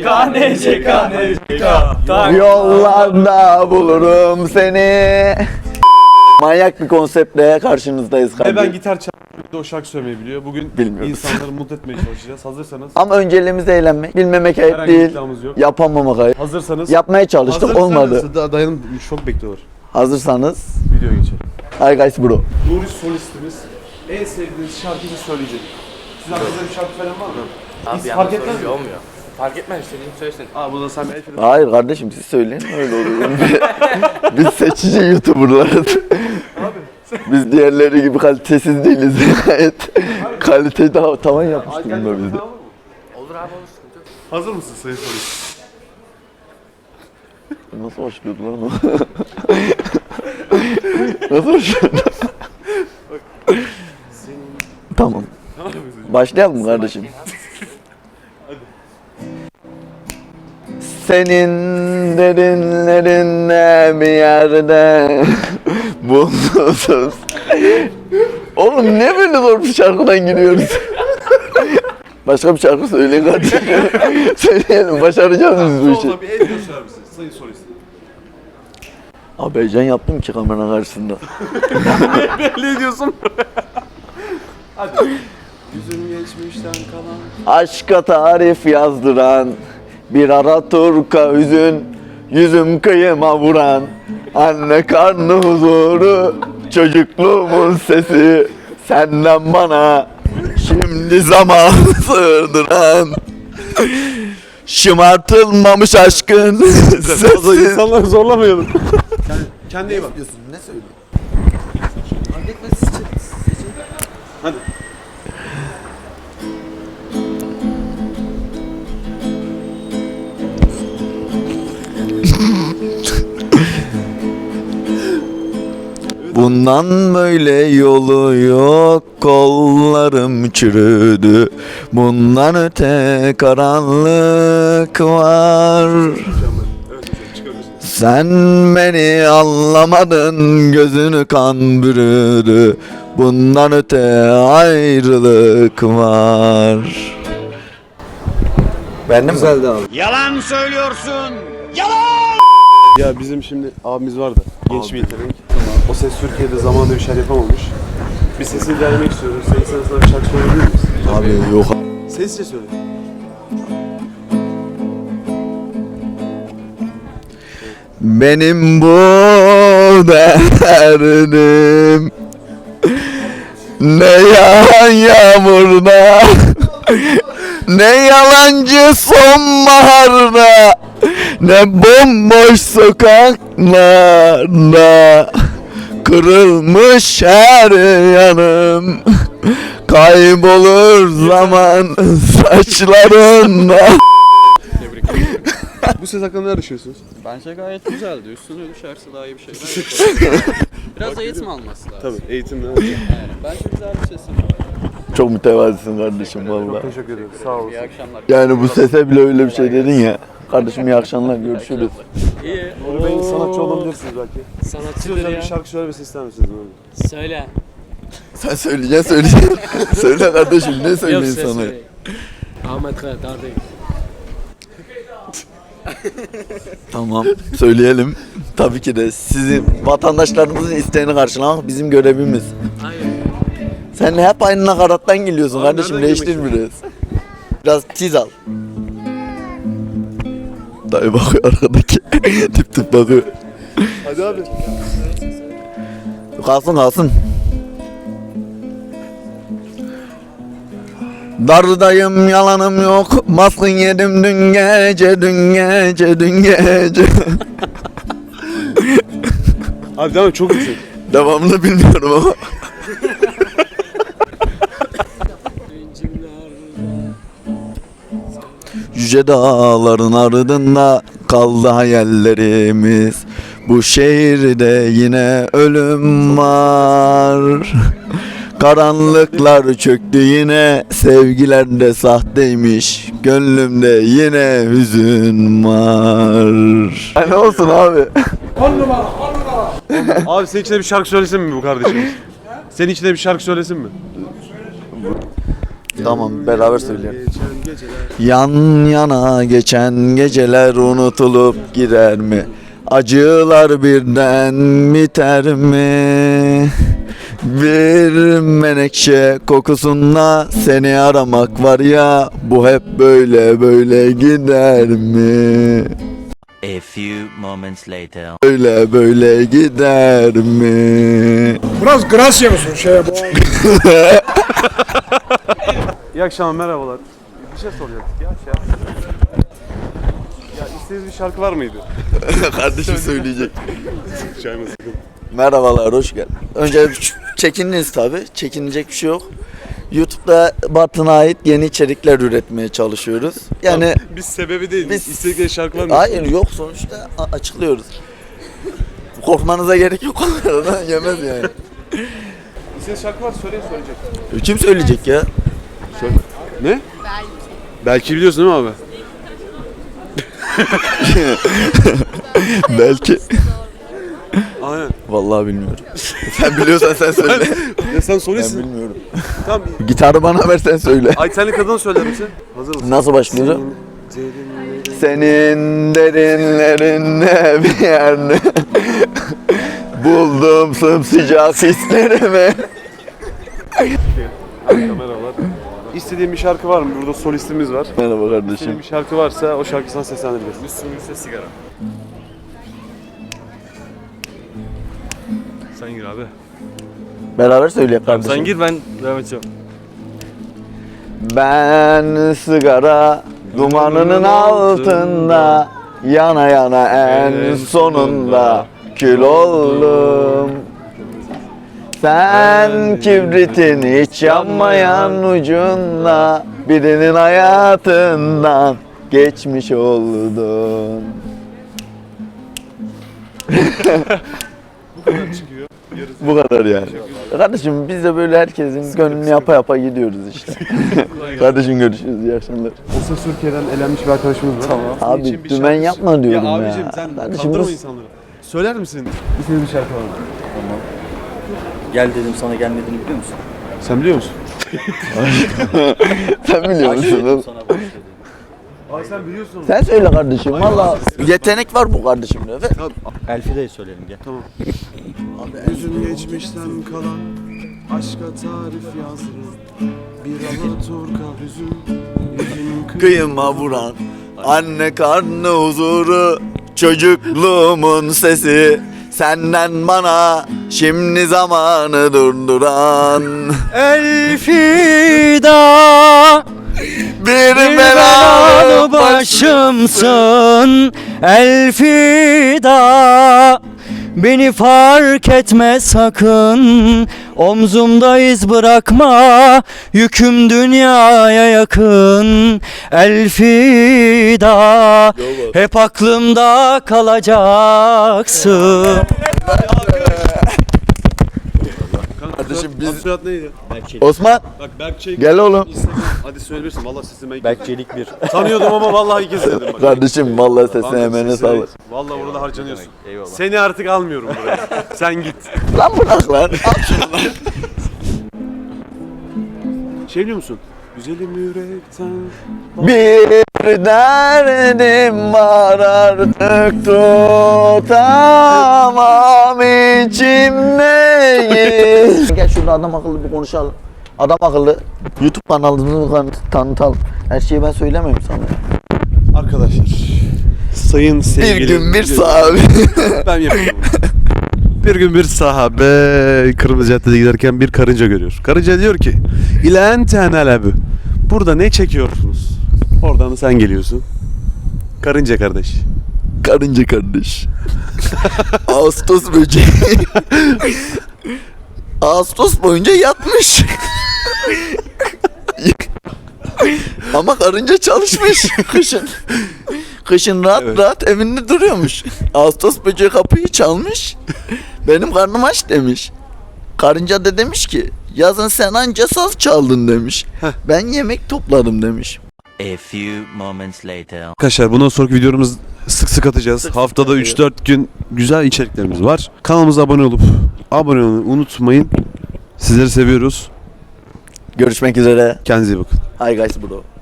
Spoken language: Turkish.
Yollarda bulurum seni. Manyak bir konseptle karşınızdayız kardeşim. Ben gitar çalmayı, o şarkı söylemeyi biliyor. Bugün insanları mutlu etmeye çalışacağız. Hazırsanız. Ama önceliğimiz eğlenmek. Bilmemek ayıp herhangi değil. iddiamız yok. Yapamamak ayıp. Hazırsanız. Yapmaya çalıştık, olmadı. Dayanın, çok bekliyor. Hazırsanız. Videoya geçelim. Hi guys bro. Nuri solistimiz en sevdiğiniz şarkıyı söyleyecek. Sizin aklınızda bir şarkı falan var mı? Abi fark etmez mi? olmuyor. Fark etmez, istediğini söylesin. Bu da sen bir Hayır kardeşim siz söyleyin öyle olur. Biz seçici YouTuber'larız. Biz diğerleri gibi kalitesiz değiliz. Gayet kalite daha tavan yapmış durumda bizde. Olur abi, olur, sıkıntı yok. Hazır mısın sayın solist? Nasıl başlıyordu lan o? Nasıl başlıyordu? Tamam. Başlayalım mı kardeşim? Senin derinlerinde bir yerde bulunuruz. Oğlum niye böyle zor bir şarkıdan gidiyoruz? Başka bir şarkı söyleyin kardeşim. Söyleyelim, başaracağız biz bu işi. Solda bir el gösterir misiniz sayın solist? Abi heyecan yaptım ki kamera karşısında. Belli ediyorsun. Hadi. Yüzüm geçmişten kalan. Aşka tarif yazdıran, bir ara turka hüzün, yüzüm kıyıma vuran, anne karnı huzuru, çocukluğumun sesi, senden bana şimdi zaman sığdıran, şımartılmamış aşkın sesi. İnsanları zorlamayalım. Kendine iyi bak. Ne söylüyorsun? Hadi. Bundan böyle yolu yok, kollarım çürüdü. Bundan öte karanlık var. Sen beni anlamadın, gözünü kan bürüdü. Bundan öte ayrılık var. Beğendin mi? Güzeldi abi. Yalan söylüyorsun. Ya bizim şimdi abimiz vardı. Genç bir yetenek. O ses Türkiye'de zamanında bir şeyler yapamamış. Bir sesini denemek istiyoruz. Senin sana bir şarkı söyleyebilir misin? Abi yok. Sesle söyle. Benim bu derdim ne yağan yağmurda, ne yalancı sonbaharda, ne bomboş sokaklarda, kırılmış her yanım, kaybolur zaman saçlarında. Bu ses hakkında ne düşünüyorsunuz? Bence gayet güzeldi. Üstüne düşerse daha iyi bir şeyler biraz eğitim alması lazım. Tabii eğitimle. Bence güzel bir sesim. Çok mütevazisin kardeşim valla. Teşekkür ederim. Sağ olasın. İyi akşamlar. Yani bu sese bile öyle bir şey dedin ya. Kardeşim iyi akşamlar, görüşürüz. İyi. Nuri Bey sanatçı olabilirsiniz belki. Siz Sanatçıdır özel ya. bir şarkı söylemesini ister misiniz Nuri Bey? Söyle. Sen söyleyeceksin. Söyle kardeşim, ne söyleyeyim sana? Ahmet Kaya, kardeşim. Tamam, söyleyelim. Tabii ki de sizin vatandaşlarımızın isteğini karşılamak bizim görevimiz. Aynen. Sen hep aynı nakarattan geliyorsun Abi kardeşim, nereden değiştir girmek biraz. Biraz tiz al. Dayı bakıyor arkadaki. Tip tip bakıyor. Hadi abi. Kalsın. Dardayım, yalanım yok, baskın yedim dün gece. Abi devam et, çok yüksek. Devamını bilmiyorum ama. Yüce dağların ardında kaldı hayallerimiz. Bu şehirde yine ölüm var. Karanlıklar çöktü yine, sevgiler de sahteymiş. Gönlümde yine hüzün var. Ne olsun abi? Abi senin içinde bir şarkı söylesin mi bu kardeşimiz? Senin içinde bir şarkı söylesin mi? Tamam, beraber söyleyelim. Geçen geceler. Yan yana geçen geceler unutulup gider mi? Acılar birden biter mi? Bir menekşe kokusunda seni aramak var ya, bu hep böyle böyle gider mi? A few moments later. Böyle böyle gider mi? Biraz Gracia mısın şeye bu? İyi akşamlar, merhabalar. Bir şey soracaktık ya. Ya istediğiniz bir şarkı var mıydı? Kardeşim söyleyecek. Çay mı sıkın? Merhabalar, hoş geldin. Önce çekindiniz tabi, çekinecek bir şey yok. YouTube'da Bartın'a ait yeni içerikler üretmeye çalışıyoruz. Yani Biz sebebi değil, Biz- istedikleri şarkı var mı? hayır yok, sonuçta açıklıyoruz. Korkmanıza gerek yok, onlardan yemez yani. İstediğiniz şarkı var, söyleyecek. Kim söyleyecek ya? Ne? Belki biliyorsun değil mi abi? Belki. Aynen. Vallahi bilmiyorum. Sen biliyorsan sen söyle. Ya sen Ben soruyorsun. bilmiyorum. Tamam. Gitarı bana ver, sen söyle. Ay senli kadın söyler misin? Hazır mısın? Nasıl başlıyor? Derinlerin- Senin derinlerinde bir yerde buldum sımsıcak hislerimi. Merhabalar. İstediğin bir şarkı var mı? Burada solistimiz var. Merhaba İstediğin kardeşim. bir şarkı varsa o şarkı sana seslendiririz. Müslüm Gürses sigara. Sen gir abi. Beraber söyleyek kardeşim. Sen gir, ben devam edeceğim. Ben sigara dumanının altında yana yana en sonunda kül oldum. Sen kibritin hiç yanmayan ucunda birinin hayatından geçmiş oldun. Bu kadar yani. Kardeşim biz de böyle herkesin gönlünü yapa yapa gidiyoruz işte. Kardeşim görüşürüz, iyi akşamlar. O ses Türkiye'den elenmiş bir arkadaşımız var. Tamam. Abi dümen yapma diyorum ya. abicim sen Kardeşim kandırma bu- insanları. Söyler misin? İstediğin bir şarkı var mı? Gel dedim sana gelmediğini biliyor musun? Sen biliyor musun? Sen biliyor musun? oğlum? Sana boş dedim. Ay sen biliyorsun. Sen söyle kardeşim. Valla yetenek var bu kardeşimde. Elfi de söyleyelim gel. Üzün geçmişten kalan aşka tarif yazdım. Bir alaturka hüzün. Kıyıma vuran anne karnı huzuru, çocukluğumun sesi, senden bana şimdi zamanı durduran Elfida bir belalı belalı başımsın Elfida beni fark etme sakın omzumda iz bırakma yüküm dünyaya yakın Elfida hep aklımda kalacaksın. Kardeşim biz... Soyad neydi? Osman Bak Berkçe. gel oğlum. Hadi söyleyebilirsin. Valla sesini ben Berkçelik bir. tanıyordum ama vallahi ilk kez dedim bak. Kardeşim vallahi sesine Kanka, emeğine sesini- sağlık. Vallahi burada harcanıyorsun. Eyvallah. Seni artık almıyorum buraya. Sen git. Lan bırak lan. Al şunu lan. Şey biliyor musun? Güzelim yürekten. Bir derdim var artık tutamam içimdeyi. Gel şurada adam akıllı bir konuşalım. Adam akıllı YouTube kanalımızı tanıtalım. Her şeyi ben söylemeyeyim sana. Arkadaşlar. Sayın sevgili. Bir gün bir sahabe. Ben yapıyorum. Bir gün bir sahabe Kırmızı Cadde'de giderken bir karınca görüyor. Karınca diyor ki İlen tenelebü. Burada ne çekiyorsunuz? Oradan da sen geliyorsun. Karınca kardeş. Karınca kardeş. Ağustos böceği. Ağustos boyunca yatmış. Ama karınca çalışmış kışın. Kışın rahat Evet. rahat evinde duruyormuş. Ağustos böceği kapıyı çalmış. Benim karnım aç demiş. Karınca da demiş ki yazın sen anca saz çaldın demiş. Ben yemek topladım demiş. A few moments later. Arkadaşlar bundan sonraki videolarımız sık sık atacağız. Haftada 3-4 gün güzel içeriklerimiz var. Kanalımıza abone olmayı unutmayın. Sizleri seviyoruz. Görüşmek üzere. Kendinize iyi bakın. Hi guys bro.